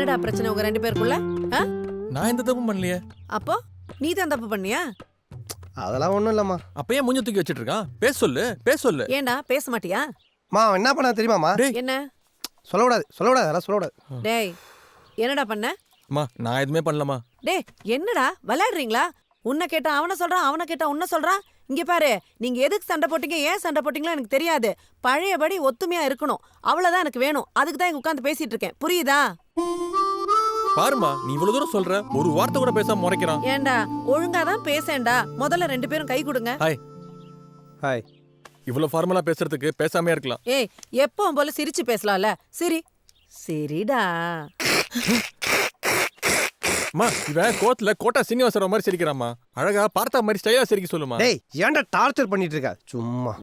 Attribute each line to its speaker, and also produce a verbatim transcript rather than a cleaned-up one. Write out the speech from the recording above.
Speaker 1: என்னடா பிரச்சனை உங்க ரெண்டு பேருக்குள்ள? ஆ?
Speaker 2: நான் எந்த தப்பும் பண்ணலையே.
Speaker 1: அப்போ நீ தான் தப்பு பண்ணியா?
Speaker 3: அதெல்லாம் ஒண்ணும் இல்லம்மா.
Speaker 2: அப்ப ஏன் மூஞ்ச தூக்கி வச்சிட்டு இருக்கான்? பேச சொல்லு, பேச சொல்லு.
Speaker 1: ஏண்டா பேச மாட்டியா?
Speaker 3: மா அவன் என்ன பண்ணா தெரியுமாமா?
Speaker 1: என்ன
Speaker 3: சொல்லக்கூடாது சொல்லக்கூடாது அதெல்லாம் சொல்லக்கூடாது.
Speaker 1: டேய் என்னடா பண்ண?
Speaker 2: அம்மா நான் எதுவுமே பண்ணலமா.
Speaker 1: டேய் என்னடா விளையாடுறீங்களா? உன்னை கேட்டா அவனை சொல்றான், அவனை கேட்டா உன்னை சொல்றான். இங்க பாரு, நீங்க எதுக்கு சண்டை போட்டீங்க, ஏன் சண்டை போட்டீங்களோ எனக்கு தெரியாது. பழையபடி ஒத்துமையா இருக்கணும், அவ்வளவுதான் எனக்கு வேணும். அதுக்கு தான் இங்க உட்காந்து பேசிட்டு இருக்கேன், புரியுதா?
Speaker 2: பாருமா, நீ இவ்வளவு தூரம் சொல்ற, ஒரு வார்த்தை கூட பேசாம முறைக்கிறான்.
Speaker 1: ஏண்டா ஒழுங்கா தான் பேசேன்டா. முதல்ல ரெண்டு பேரும் கை கொடுங்க.
Speaker 2: Hi
Speaker 3: hi.
Speaker 2: இவ்வளவு ஃபார்மலா பேசுறதுக்கு பேசாமே இருக்கலாம்.
Speaker 1: ஏய் எப்பவும் போல சிரிச்சு பேசலாம்ல. சிரி சரிடா.
Speaker 2: அம்மா இவன் கோத்துல கோட்டா சீனிவாசராவ் மாதிரி சிரிக்கிறாமா. அழகா பார்த்தா மாதிரி ஸ்டைலா சிரிக்க சொல்லுமா.
Speaker 3: டேய் ஏன்டா டார்ச்சர் பண்ணிட்டு இருக்க? சும்மா